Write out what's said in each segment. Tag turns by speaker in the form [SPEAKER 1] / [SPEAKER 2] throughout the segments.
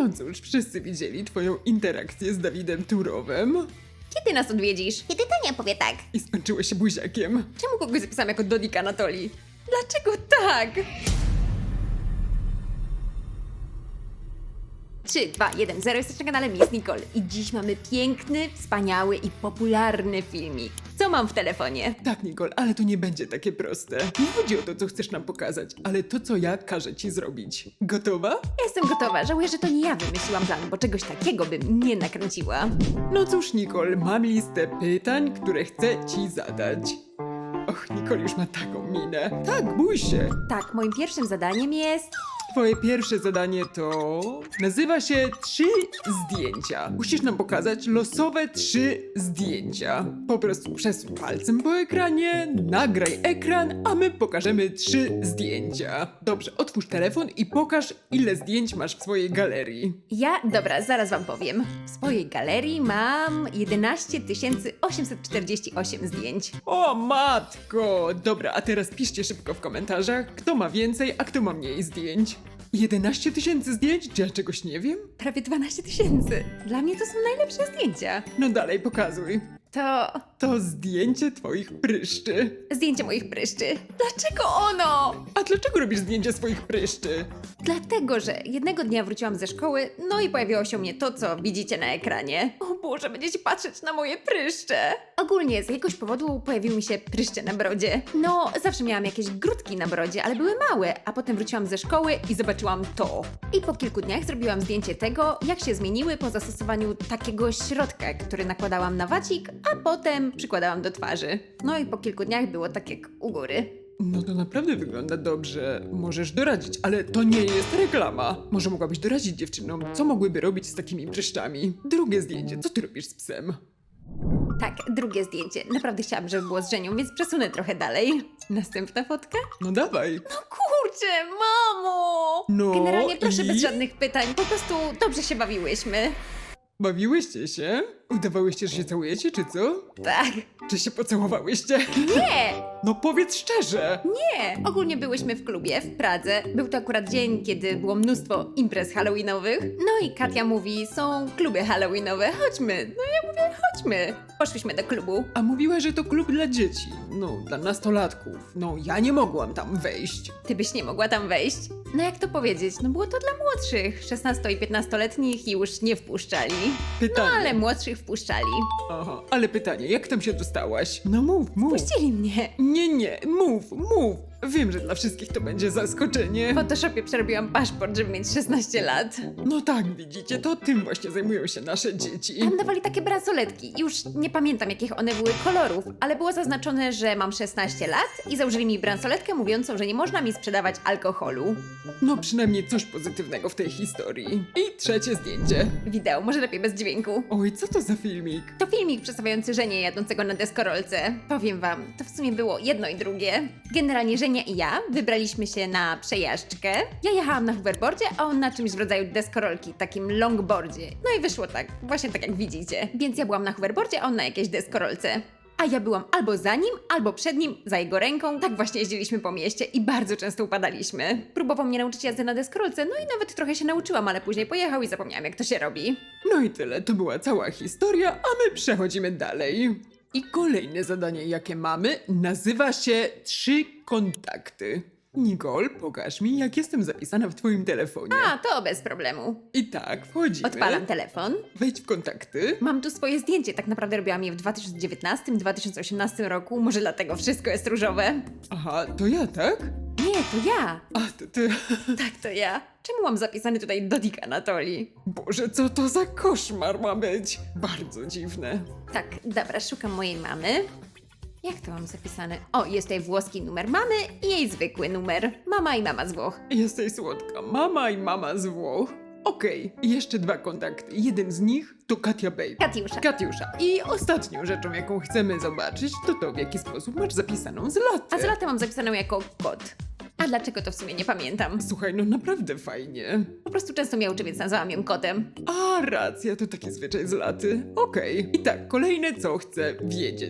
[SPEAKER 1] No cóż, wszyscy widzieli twoją interakcję z Dawidem Turowem
[SPEAKER 2] Kiedy nas odwiedzisz? Kiedy Tania powie tak?
[SPEAKER 1] i skończyło się buziakiem.
[SPEAKER 2] Czemu kogoś zapisałam jako Dodik Anatolii? Dlaczego tak? 3, 2, 1, 0, jesteś na kanale Miss Nicole i dziś mamy piękny, wspaniały i popularny filmik. Co mam w telefonie?
[SPEAKER 1] Tak, Nicole, ale to nie będzie takie proste. Nie chodzi o to, co chcesz nam pokazać, ale to, co ja każę ci zrobić. Gotowa?
[SPEAKER 2] Ja jestem gotowa, żałuję, że to nie ja wymyśliłam plan, bo czegoś takiego bym nie nakręciła.
[SPEAKER 1] No cóż, Nicole, mam listę pytań, które chcę ci zadać. Och, Nicole już ma taką minę. Tak, bój się.
[SPEAKER 2] Tak, moim pierwszym zadaniem jest...
[SPEAKER 1] Twoje pierwsze zadanie to... nazywa się 3 zdjęcia. Musisz nam pokazać losowe 3 zdjęcia. Po prostu przesuń palcem po ekranie, nagraj ekran, a my pokażemy 3 zdjęcia. Dobrze, otwórz telefon i pokaż, ile zdjęć masz w swojej galerii.
[SPEAKER 2] Dobra, zaraz wam powiem. W swojej galerii mam 11 848 zdjęć.
[SPEAKER 1] O matko! Dobra, a teraz piszcie szybko w komentarzach, kto ma więcej, a kto ma mniej zdjęć. 11 000 zdjęć? Czy ja czegoś nie wiem?
[SPEAKER 2] Prawie 12 000. Dla mnie to są najlepsze zdjęcia.
[SPEAKER 1] No dalej, pokazuj.
[SPEAKER 2] To
[SPEAKER 1] zdjęcie twoich pryszczy.
[SPEAKER 2] zdjęcie moich pryszczy. Dlaczego ono?
[SPEAKER 1] A dlaczego robisz zdjęcie swoich pryszczy?
[SPEAKER 2] Dlatego, że jednego dnia wróciłam ze szkoły, no i pojawiło się u mnie to, co widzicie na ekranie. O Boże, będziecie patrzeć na moje pryszcze. Ogólnie z jakiegoś powodu pojawiły mi się pryszcze na brodzie. No, zawsze miałam jakieś grudki na brodzie, ale były małe, a potem wróciłam ze szkoły i zobaczyłam to. I po kilku dniach zrobiłam zdjęcie tego, jak się zmieniły po zastosowaniu takiego środka, który nakładałam na wacik, a potem przykładałam do twarzy. No i po kilku dniach było tak jak u góry.
[SPEAKER 1] No to naprawdę wygląda dobrze. Możesz doradzić, ale to nie jest reklama. Może mogłabyś doradzić dziewczynom, co mogłyby robić z takimi pryszczami. Drugie zdjęcie, co ty robisz z psem?
[SPEAKER 2] Tak, drugie zdjęcie. Naprawdę chciałam, żeby było z Żenią, więc przesunę trochę dalej. Następna fotka?
[SPEAKER 1] No dawaj.
[SPEAKER 2] No kurczę, mamo!
[SPEAKER 1] No
[SPEAKER 2] Generalnie proszę
[SPEAKER 1] i?
[SPEAKER 2] bez żadnych pytań, po prostu dobrze się bawiłyśmy.
[SPEAKER 1] Bawiłyście się? Udawałyście, że się całujecie, czy co?
[SPEAKER 2] Tak.
[SPEAKER 1] Czy się pocałowałyście?
[SPEAKER 2] Nie!
[SPEAKER 1] No powiedz szczerze.
[SPEAKER 2] Nie! Ogólnie byłyśmy w klubie w Pradze. Był to akurat dzień, kiedy było mnóstwo imprez halloweenowych. No i Katia mówi, są kluby halloweenowe, chodźmy. No ja mówię, chodźmy. Poszłyśmy do klubu.
[SPEAKER 1] A mówiła, że to klub dla dzieci. No, dla nastolatków. No, ja nie mogłam tam wejść.
[SPEAKER 2] Ty byś nie mogła tam wejść? No jak to powiedzieć? No było to dla młodszych. 16 i 15-letnich już nie wpuszczali. No
[SPEAKER 1] Pytanie.
[SPEAKER 2] ale młodszych wpuszczali.
[SPEAKER 1] Aha, ale pytanie, jak tam się dostałaś? No mów.
[SPEAKER 2] Puścili mnie.
[SPEAKER 1] Nie, mów. Wiem, że dla wszystkich to będzie zaskoczenie.
[SPEAKER 2] W Photoshopie przerobiłam paszport, żeby mieć 16 lat.
[SPEAKER 1] No tak, widzicie, to tym właśnie zajmują się nasze dzieci.
[SPEAKER 2] Tam dawali takie bransoletki. Już nie pamiętam, jakich one były kolorów, ale było zaznaczone, że mam 16 lat i założyli mi bransoletkę mówiącą, że nie można mi sprzedawać alkoholu.
[SPEAKER 1] No przynajmniej coś pozytywnego w tej historii. I trzecie zdjęcie.
[SPEAKER 2] Wideo, może lepiej bez dźwięku.
[SPEAKER 1] Oj, co to za filmik?
[SPEAKER 2] To filmik przedstawiający Żenię jadącego na deskorolce. Powiem wam, to w sumie było jedno i drugie. Generalnie Żenia i ja wybraliśmy się na przejażdżkę. Ja jechałam na hoverboardzie, a on na czymś w rodzaju deskorolki, takim longboardzie. No i wyszło tak, właśnie tak jak widzicie. Więc ja byłam na hoverboardzie, a on na jakiejś deskorolce. A ja byłam albo za nim, albo przed nim, za jego ręką. Tak właśnie jeździliśmy po mieście i bardzo często upadaliśmy. Próbował mnie nauczyć jazdy na deskorolce, no i nawet trochę się nauczyłam, ale później pojechał i zapomniałam, jak to się robi.
[SPEAKER 1] No i tyle, to była cała historia, a my przechodzimy dalej. I kolejne zadanie, jakie mamy, nazywa się 3 kontakty. Nicole, pokaż mi, jak jestem zapisana w twoim telefonie.
[SPEAKER 2] A, to bez problemu.
[SPEAKER 1] I tak, wchodzimy.
[SPEAKER 2] Odpalam telefon.
[SPEAKER 1] Wejdź w kontakty.
[SPEAKER 2] Mam tu swoje zdjęcie, tak naprawdę robiłam je w 2019-2018 roku, może dlatego wszystko jest różowe.
[SPEAKER 1] Aha, to ja, tak?
[SPEAKER 2] Nie, to ja.
[SPEAKER 1] A, to ty...
[SPEAKER 2] Tak, to ja. Czemu mam zapisany tutaj Dodik Anatolii?
[SPEAKER 1] Boże, co to za koszmar ma być? Bardzo dziwne.
[SPEAKER 2] Tak, dobra, szukam mojej mamy. Jak to mam zapisane? O, jest tutaj włoski numer mamy i jej zwykły numer. Mama i mama z Włoch.
[SPEAKER 1] Jesteś słodka. Mama i mama z Włoch. Okej, jeszcze 2 kontakty. Jeden z nich to Katia Baby.
[SPEAKER 2] Katiusza.
[SPEAKER 1] I ostatnią rzeczą, jaką chcemy zobaczyć, to w jaki sposób masz zapisaną Zlatę.
[SPEAKER 2] A Zlatę mam zapisaną jako kot. A dlaczego to w sumie nie pamiętam?
[SPEAKER 1] Słuchaj, no naprawdę fajnie.
[SPEAKER 2] Po prostu często mnie uczy, więc nazwałam ją kotem.
[SPEAKER 1] A, racja, to taki zwyczaj Zlaty. Okej. I tak, kolejne co chcę wiedzieć.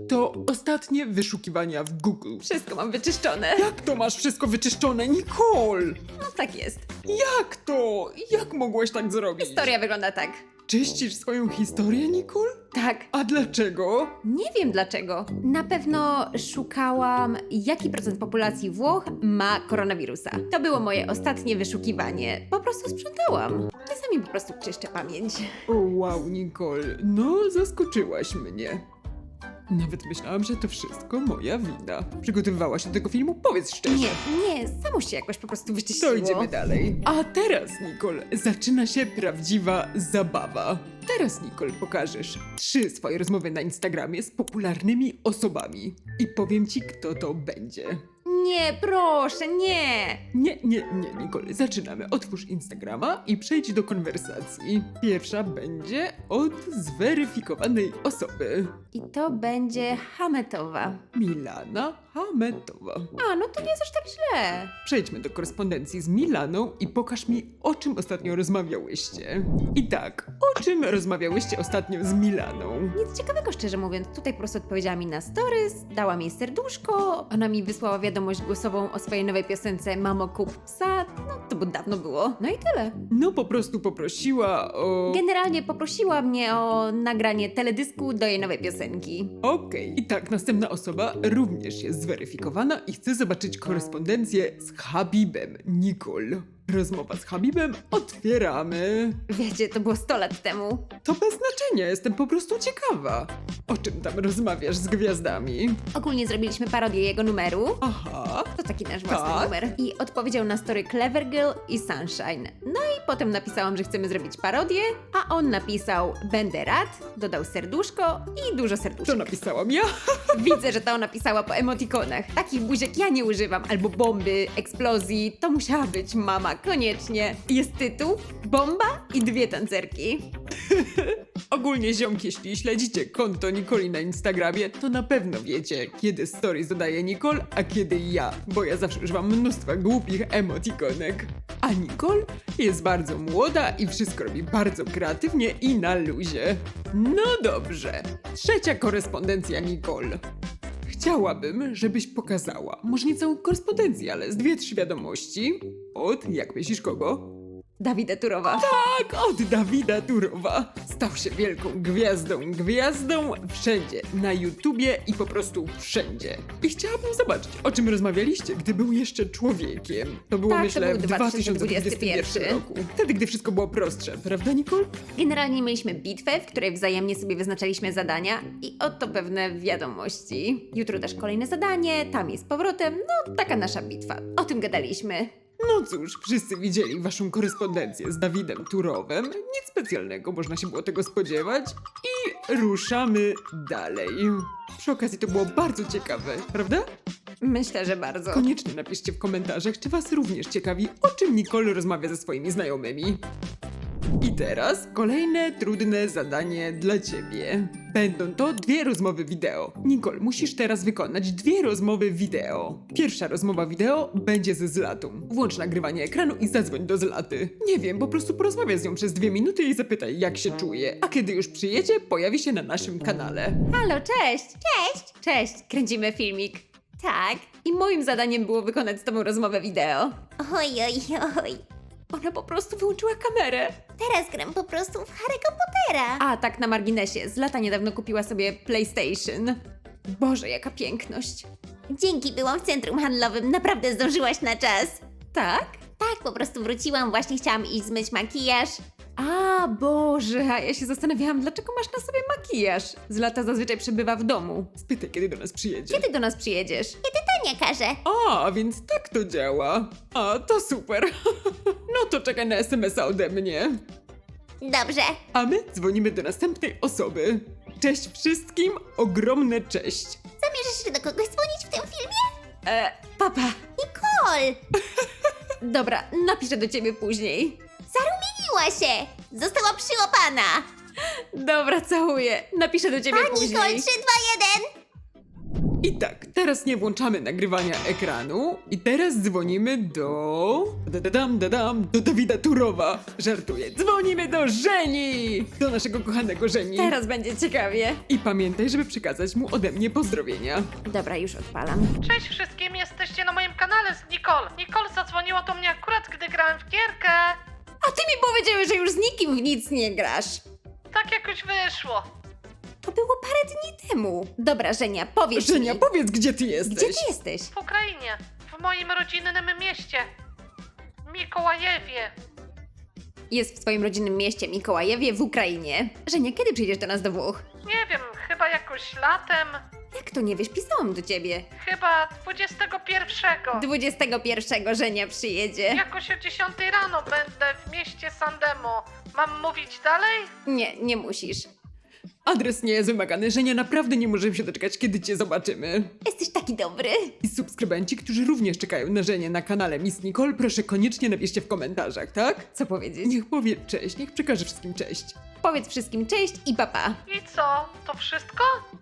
[SPEAKER 1] To ostatnie wyszukiwania w Google.
[SPEAKER 2] Wszystko mam wyczyszczone.
[SPEAKER 1] Jak to masz wszystko wyczyszczone, Nicole?
[SPEAKER 2] No tak jest.
[SPEAKER 1] Jak to? Jak mogłaś tak zrobić?
[SPEAKER 2] Historia wygląda tak.
[SPEAKER 1] Czyścisz swoją historię, Nicole?
[SPEAKER 2] Tak.
[SPEAKER 1] A dlaczego?
[SPEAKER 2] Nie wiem dlaczego. Na pewno szukałam, jaki procent populacji Włoch ma koronawirusa. To było moje ostatnie wyszukiwanie. Po prostu sprzątałam. Czasami po prostu czyszczę pamięć.
[SPEAKER 1] O wow, Nicole, no zaskoczyłaś mnie. Nawet myślałam, że to wszystko moja wina. Przygotowywałaś się do tego filmu? Powiedz szczerze.
[SPEAKER 2] Nie, samo się jakoś po prostu wyczyściło.
[SPEAKER 1] To idziemy dalej. A teraz, Nicole, zaczyna się prawdziwa zabawa. Teraz, Nicole, pokażesz 3 swoje rozmowy na Instagramie z popularnymi osobami. I powiem ci, kto to będzie.
[SPEAKER 2] Nie, proszę, nie.
[SPEAKER 1] Nie, Nicole, zaczynamy. Otwórz Instagrama i przejdź do konwersacji. Pierwsza będzie od zweryfikowanej osoby.
[SPEAKER 2] I to będzie Hametowa.
[SPEAKER 1] Milana Hametowa.
[SPEAKER 2] A, no to nie jest aż tak źle.
[SPEAKER 1] Przejdźmy do korespondencji z Milaną i pokaż mi, o czym ostatnio rozmawiałyście. I tak, o czym rozmawiałyście ostatnio z Milaną?
[SPEAKER 2] Nic ciekawego, szczerze mówiąc. Tutaj po prostu odpowiedziała mi na stories, dała mi serduszko, ona mi wysłała wiadomość głosową o swojej nowej piosence Mamo kup psa. No to bo dawno było. No i tyle.
[SPEAKER 1] No po prostu poprosiła o...
[SPEAKER 2] Generalnie poprosiła mnie o nagranie teledysku do jej nowej piosenki.
[SPEAKER 1] Okej. I tak, następna osoba również jest zweryfikowana i chce zobaczyć korespondencję z Habibem. Nicole. Rozmowa z Habibem otwieramy.
[SPEAKER 2] Wiecie, to było 100 lat temu.
[SPEAKER 1] To bez znaczenia, jestem po prostu ciekawa. O czym tam rozmawiasz z gwiazdami?
[SPEAKER 2] Ogólnie zrobiliśmy parodię jego numeru.
[SPEAKER 1] Aha.
[SPEAKER 2] To taki nasz własny
[SPEAKER 1] Tak?
[SPEAKER 2] numer. I odpowiedział na story Clever Girl i Sunshine. No i potem napisałam, że chcemy zrobić parodię, a on napisał będę rad, dodał serduszko i dużo
[SPEAKER 1] To
[SPEAKER 2] serduszek.
[SPEAKER 1] napisałam ja.
[SPEAKER 2] Widzę, że to ona pisała po emotikonach. Takich buziek ja nie używam. Albo bomby, eksplozji. To musiała być mama, koniecznie. Jest tytuł, bomba i 2 tancerki.
[SPEAKER 1] Ogólnie ziomki, jeśli śledzicie konto Nicoli na Instagramie, to na pewno wiecie, kiedy stories dodaje Nicole, a kiedy ja, bo ja zawsze używam mnóstwa głupich emotikonek. A Nicole jest bardzo młoda i wszystko robi bardzo kreatywnie i na luzie. No dobrze. Trzecia korespondencja Nicole. Chciałabym, żebyś pokazała, może nie całą korespondencję, ale z 2-3 wiadomości od, jak myślisz, kogo?
[SPEAKER 2] Dawida Turowa.
[SPEAKER 1] Tak, od Dawida Turowa. Stał się wielką gwiazdą wszędzie, na YouTubie i po prostu wszędzie. I chciałabym zobaczyć, o czym rozmawialiście, gdy był jeszcze człowiekiem. To było,
[SPEAKER 2] Tak, to
[SPEAKER 1] myślę,
[SPEAKER 2] był
[SPEAKER 1] w 2021 roku. Wtedy, gdy wszystko było prostsze, prawda, Nicole?
[SPEAKER 2] Generalnie mieliśmy bitwę, w której wzajemnie sobie wyznaczaliśmy zadania i oto pewne wiadomości. Jutro też kolejne zadanie, tam jest powrotem, no taka nasza bitwa. O tym gadaliśmy.
[SPEAKER 1] No cóż, wszyscy widzieli waszą korespondencję z Dawidem Turowem. Nic specjalnego, można się było tego spodziewać. I ruszamy dalej. Przy okazji to było bardzo ciekawe, prawda?
[SPEAKER 2] Myślę, że bardzo.
[SPEAKER 1] Koniecznie napiszcie w komentarzach, czy was również ciekawi, o czym Nicole rozmawia ze swoimi znajomymi. I teraz kolejne trudne zadanie dla ciebie. Będą to 2 rozmowy wideo. Nicole, musisz teraz wykonać 2 rozmowy wideo. Pierwsza rozmowa wideo będzie ze Zlatą. Włącz nagrywanie ekranu i zadzwoń do Zlaty. Nie wiem, po prostu porozmawiaj z nią przez 2 minuty i zapytaj, jak się czuje. A kiedy już przyjedzie, pojawi się na naszym kanale.
[SPEAKER 2] Halo, cześć! Cześć! Cześć, kręcimy filmik. Tak. I moim zadaniem było wykonać z tobą rozmowę wideo.
[SPEAKER 3] Oj, oj, oj.
[SPEAKER 2] Ona po prostu wyłączyła kamerę.
[SPEAKER 3] Teraz gram po prostu w Harry'ego Pottera.
[SPEAKER 2] A tak na marginesie, Zlata niedawno kupiła sobie PlayStation. Boże, jaka piękność.
[SPEAKER 3] Dzięki, byłam w centrum handlowym. Naprawdę zdążyłaś na czas.
[SPEAKER 2] Tak?
[SPEAKER 3] Tak, po prostu wróciłam. Właśnie chciałam iść zmyć makijaż.
[SPEAKER 2] A, Boże, a ja się zastanawiałam, dlaczego masz na sobie makijaż? Zlata zazwyczaj przebywa w domu.
[SPEAKER 1] Spytaj, kiedy do nas przyjedzie.
[SPEAKER 2] Kiedy do nas przyjedziesz?
[SPEAKER 3] To nie każe.
[SPEAKER 1] A, więc tak to działa. A, to super. No to czekaj na SMS-a ode mnie.
[SPEAKER 3] Dobrze.
[SPEAKER 1] A my dzwonimy do następnej osoby. Cześć wszystkim, ogromne cześć.
[SPEAKER 3] Zamierzasz jeszcze do kogoś dzwonić w tym filmie?
[SPEAKER 2] Papa.
[SPEAKER 3] Nicole!
[SPEAKER 2] Dobra, napiszę do ciebie później.
[SPEAKER 3] Zarumieniła się! Została przyłapana!
[SPEAKER 2] Dobra, całuję. Napiszę do ciebie
[SPEAKER 3] A
[SPEAKER 2] później.
[SPEAKER 3] Nicole 3, 2, 1!
[SPEAKER 1] I tak, teraz nie włączamy nagrywania ekranu i teraz dzwonimy do Dawida Turowa. Żartuję, dzwonimy do Żeni! Do naszego kochanego Żeni.
[SPEAKER 2] Teraz będzie ciekawie.
[SPEAKER 1] I pamiętaj, żeby przekazać mu ode mnie pozdrowienia.
[SPEAKER 2] Dobra, już odpalam.
[SPEAKER 4] Cześć wszystkim, jesteście na moim kanale z Nicole. Nicole zadzwoniła do mnie akurat, gdy grałem w gierkę.
[SPEAKER 2] A ty mi powiedziałeś, że już z nikim w nic nie grasz.
[SPEAKER 4] Tak jakoś wyszło.
[SPEAKER 2] To było parę dni temu. Dobra, Żenia, powiedz
[SPEAKER 1] Żenia,
[SPEAKER 2] mi.
[SPEAKER 1] powiedz, gdzie ty jesteś?
[SPEAKER 2] Gdzie ty jesteś?
[SPEAKER 4] W Ukrainie, w moim rodzinnym mieście. Mikołajewie.
[SPEAKER 2] Jest w twoim rodzinnym mieście Mikołajewie w Ukrainie. Żenia, kiedy przyjdziesz do nas do Włoch?
[SPEAKER 4] Nie wiem, chyba jakoś latem.
[SPEAKER 2] Jak to nie wiesz? Pisałam do ciebie.
[SPEAKER 4] Chyba 21.
[SPEAKER 2] 21 Żenia przyjedzie.
[SPEAKER 4] Jakoś o 10 rano będę w mieście Sandemo. Mam mówić dalej?
[SPEAKER 2] Nie, nie musisz.
[SPEAKER 1] Adres nie jest wymagany, Żenia, naprawdę nie możemy się doczekać, kiedy cię zobaczymy.
[SPEAKER 2] Jesteś taki dobry.
[SPEAKER 1] I subskrybenci, którzy również czekają na Żenię na kanale Miss Nicole, proszę koniecznie napiszcie w komentarzach, tak?
[SPEAKER 2] Co powiedzieć?
[SPEAKER 1] Niech powie cześć, niech przekaże wszystkim cześć.
[SPEAKER 2] Powiedz wszystkim cześć i papa.
[SPEAKER 4] I co? To wszystko?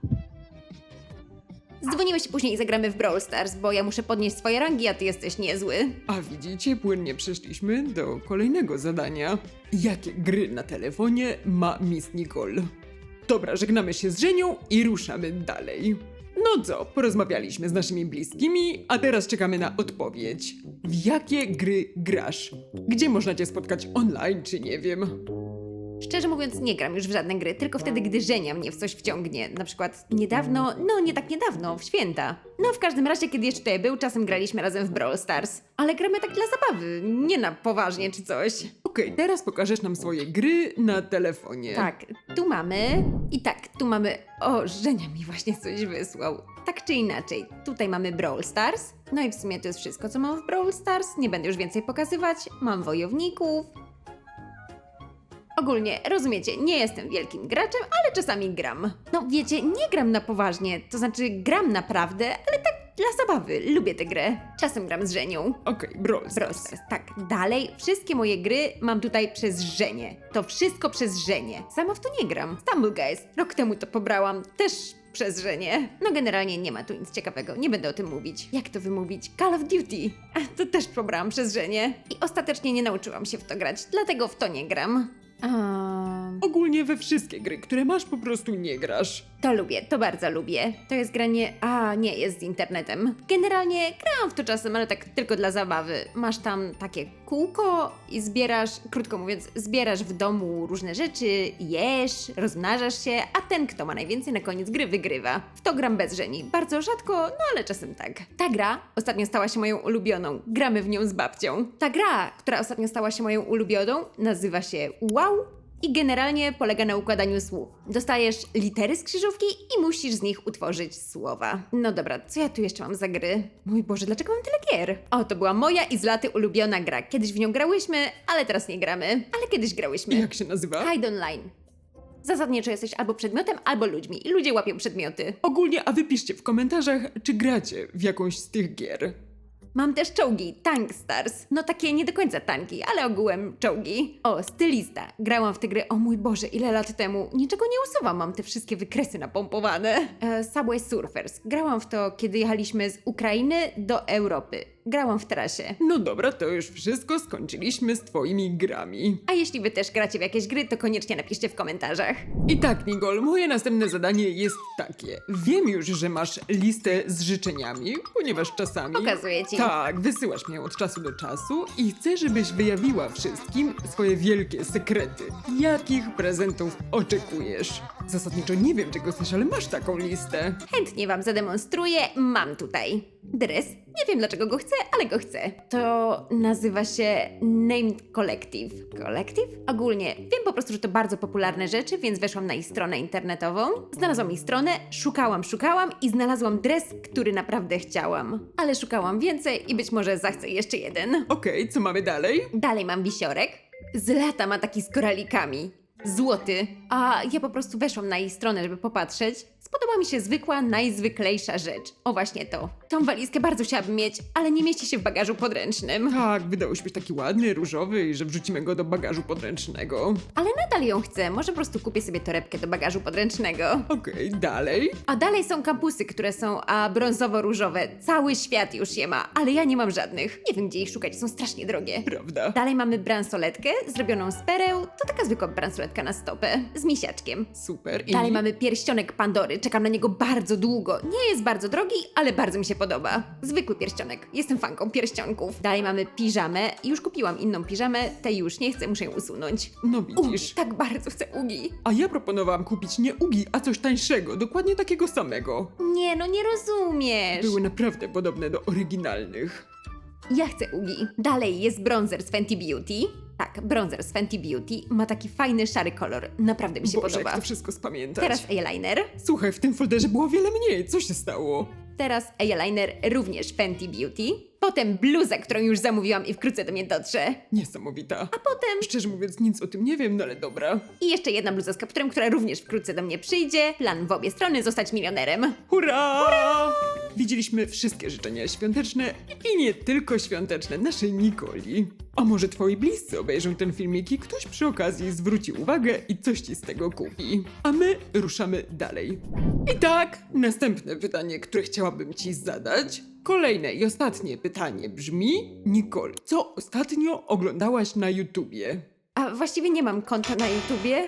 [SPEAKER 2] Dzwonimy się później i zagramy w Brawl Stars, bo ja muszę podnieść swoje rangi, a ty jesteś niezły.
[SPEAKER 1] A widzicie, płynnie przeszliśmy do kolejnego zadania. Jakie gry na telefonie ma Miss Nicole? Dobra, żegnamy się z Żenią i ruszamy dalej. No co, porozmawialiśmy z naszymi bliskimi, a teraz czekamy na odpowiedź. W jakie gry grasz? Gdzie można cię spotkać online, czy nie wiem?
[SPEAKER 2] Szczerze mówiąc, nie gram już w żadne gry, tylko wtedy, gdy Żenia mnie w coś wciągnie. Na przykład niedawno, no nie tak niedawno, w święta. No w każdym razie, kiedy jeszcze tutaj był, czasem graliśmy razem w Brawl Stars. Ale gramy tak dla zabawy, nie na poważnie czy coś.
[SPEAKER 1] Okej, teraz pokażesz nam swoje gry na telefonie.
[SPEAKER 2] Tak, tu mamy... I tak, tu mamy... O, Żenia mi właśnie coś wysłał. Tak czy inaczej, tutaj mamy Brawl Stars. No i w sumie to jest wszystko, co mam w Brawl Stars. Nie będę już więcej pokazywać. Mam wojowników. Ogólnie, rozumiecie, nie jestem wielkim graczem, ale czasami gram. No wiecie, nie gram na poważnie, to znaczy gram naprawdę, ale tak dla zabawy, lubię tę grę. Czasem gram z Żenią.
[SPEAKER 1] Okej, Brawl
[SPEAKER 2] Brawl
[SPEAKER 1] Stars.
[SPEAKER 2] Stars, tak. Dalej, wszystkie moje gry mam tutaj przez Żenię. To wszystko przez Żenię. Sama w to nie gram. Stumble Guys, rok temu to pobrałam, też przez Żenię. No generalnie nie ma tu nic ciekawego, nie będę o tym mówić. Jak to wymówić? Call of Duty. To też pobrałam przez Żenię. I ostatecznie nie nauczyłam się w to grać, dlatego w to nie gram.
[SPEAKER 1] Ogólnie we wszystkie gry, które masz, po prostu nie grasz.
[SPEAKER 2] To lubię, to bardzo lubię. To jest granie... A, nie, jest z internetem. Generalnie grałam w to czasem, ale tak tylko dla zabawy. Masz tam takie kółko i zbierasz, krótko mówiąc, zbierasz w domu różne rzeczy, jesz, rozmnażasz się, a ten, kto ma najwięcej na koniec gry, wygrywa. W to gram bez Żeni. Bardzo rzadko, no ale czasem tak. Ta gra ostatnio stała się moją ulubioną. Gramy w nią z babcią. Ta gra, która ostatnio stała się moją ulubioną, nazywa się Wow i generalnie polega na układaniu słów. Dostajesz litery z krzyżówki i musisz z nich utworzyć słowa. No dobra, co ja tu jeszcze mam za gry? Mój Boże, dlaczego mam tyle gier? O, to była moja i z laty ulubiona gra. Kiedyś w nią grałyśmy, ale teraz nie gramy. Ale kiedyś grałyśmy.
[SPEAKER 1] Jak się nazywa?
[SPEAKER 2] Hide Online. Zasadniczo jesteś albo przedmiotem, albo ludźmi i ludzie łapią przedmioty.
[SPEAKER 1] Ogólnie, a wypiszcie w komentarzach, czy gracie w jakąś z tych gier.
[SPEAKER 2] Mam też czołgi, Tank Stars. No takie nie do końca tanki, ale ogółem czołgi. O, stylista. Grałam w tę grę, o mój Boże, ile lat temu. Niczego nie usuwam, mam te wszystkie wykresy napompowane. Subway Surfers. Grałam w to, kiedy jechaliśmy z Ukrainy do Europy. Grałam w trasie.
[SPEAKER 1] No dobra, to już wszystko, skończyliśmy z twoimi grami.
[SPEAKER 2] A jeśli wy też gracie w jakieś gry, to koniecznie napiszcie w komentarzach.
[SPEAKER 1] I tak, Nicole, moje następne zadanie jest takie. Wiem już, że masz listę z życzeniami, ponieważ czasami...
[SPEAKER 2] Pokazuję ci.
[SPEAKER 1] Tak, wysyłasz mi ją od czasu do czasu i chcę, żebyś wyjawiła wszystkim swoje wielkie sekrety. Jakich prezentów oczekujesz? Zasadniczo nie wiem, czego chcesz, ale masz taką listę.
[SPEAKER 2] Chętnie wam zademonstruję. Mam tutaj dres. Nie wiem dlaczego go chcę, ale go chcę. To nazywa się Named Collective. Collective? Ogólnie wiem po prostu, że to bardzo popularne rzeczy, więc weszłam na ich stronę internetową. Znalazłam ich stronę, szukałam i znalazłam dres, który naprawdę chciałam. Ale szukałam więcej i być może zachcę jeszcze jeden.
[SPEAKER 1] Okej, co mamy dalej?
[SPEAKER 2] Dalej mam wisiorek. Z lata ma taki z koralikami. Złoty. A ja po prostu weszłam na jej stronę, żeby popatrzeć. Podoba mi się zwykła, najzwyklejsza rzecz. O właśnie to. Tą walizkę bardzo chciałabym mieć, ale nie mieści się w bagażu podręcznym.
[SPEAKER 1] Tak, wydałeś być taki ładny, różowy i że wrzucimy go do bagażu podręcznego.
[SPEAKER 2] Ale nadal ją chcę. Może po prostu kupię sobie torebkę do bagażu podręcznego.
[SPEAKER 1] Okej, dalej.
[SPEAKER 2] A dalej są kampusy, które są brązowo-różowe. Cały świat już je ma, ale ja nie mam żadnych. Nie wiem, gdzie ich szukać, są strasznie drogie.
[SPEAKER 1] Prawda.
[SPEAKER 2] Dalej mamy bransoletkę zrobioną z pereł. To taka zwykła bransoletka na stopę. Z misiaczkiem.
[SPEAKER 1] Super. I
[SPEAKER 2] Dalej mamy pierścionek Pandory. Czekam na niego bardzo długo. Nie jest bardzo drogi, ale bardzo mi się podoba. Zwykły pierścionek. Jestem fanką pierścionków. Dalej mamy piżamę. Już kupiłam inną piżamę. Tej już nie chcę, muszę ją usunąć.
[SPEAKER 1] No
[SPEAKER 2] Ugi,
[SPEAKER 1] widzisz.
[SPEAKER 2] tak bardzo chcę ugi.
[SPEAKER 1] A ja proponowałam kupić nie Ugi, a coś tańszego, dokładnie takiego samego.
[SPEAKER 2] Nie, no nie rozumiesz.
[SPEAKER 1] Były naprawdę podobne do oryginalnych.
[SPEAKER 2] Ja chcę ugi. Dalej jest bronzer z Fenty Beauty. Tak, bronzer z Fenty Beauty. Ma taki fajny, szary kolor. Naprawdę mi się
[SPEAKER 1] Boże,
[SPEAKER 2] podoba.
[SPEAKER 1] jak to wszystko spamiętać.
[SPEAKER 2] Teraz eyeliner.
[SPEAKER 1] Słuchaj, w tym folderze było wiele mniej. Co się stało?
[SPEAKER 2] Teraz eyeliner również Fenty Beauty. Potem bluza, którą już zamówiłam i wkrótce do mnie dotrze.
[SPEAKER 1] Niesamowita.
[SPEAKER 2] A potem
[SPEAKER 1] Szczerze mówiąc, nic o tym nie wiem, no ale dobra.
[SPEAKER 2] i jeszcze jedna bluza z kapturem, która również wkrótce do mnie przyjdzie. Plan w obie strony, zostać milionerem.
[SPEAKER 1] Hurra! Widzieliśmy wszystkie życzenia świąteczne i nie tylko świąteczne naszej Nikoli. A może twoi bliscy obejrzą ten filmik i ktoś przy okazji zwróci uwagę i coś ci z tego kupi. A my ruszamy dalej. I tak, następne pytanie, które chciałabym ci zadać. Kolejne i ostatnie pytanie brzmi: Nicole, co ostatnio oglądałaś na YouTubie?
[SPEAKER 2] A właściwie nie mam konta na YouTubie.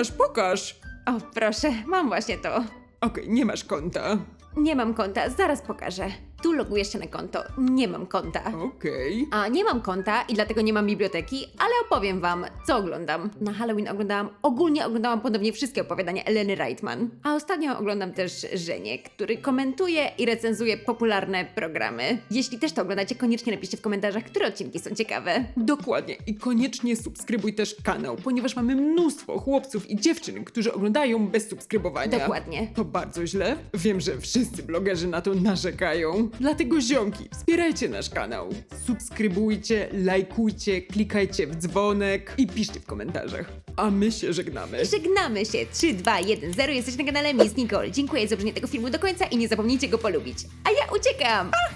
[SPEAKER 1] Pokaż!
[SPEAKER 2] O, proszę, mam właśnie to.
[SPEAKER 1] Okej, nie masz konta.
[SPEAKER 2] Nie mam konta, zaraz pokażę. Tu logujesz się na konto. Nie mam konta.
[SPEAKER 1] Okej.
[SPEAKER 2] A nie mam konta i dlatego nie mam biblioteki, ale opowiem wam, co oglądam. Na Halloween ogólnie oglądałam ponownie wszystkie opowiadania Eleny Reitman. A ostatnio oglądam też Żenię, który komentuje i recenzuje popularne programy. Jeśli też to oglądacie, koniecznie napiszcie w komentarzach, które odcinki są ciekawe.
[SPEAKER 1] Dokładnie. I koniecznie subskrybuj też kanał, ponieważ mamy mnóstwo chłopców i dziewczyn, którzy oglądają bez subskrybowania.
[SPEAKER 2] Dokładnie.
[SPEAKER 1] To bardzo źle. Wiem, że wszyscy blogerzy na to narzekają. Dlatego ziomki, wspierajcie nasz kanał. Subskrybujcie, lajkujcie, klikajcie w dzwonek i piszcie w komentarzach. A my się żegnamy.
[SPEAKER 2] Żegnamy się. 3, 2, 1, 0. Jesteście na kanale Miss Nicole. Dziękuję za obejrzenie tego filmu do końca i nie zapomnijcie go polubić. A ja uciekam!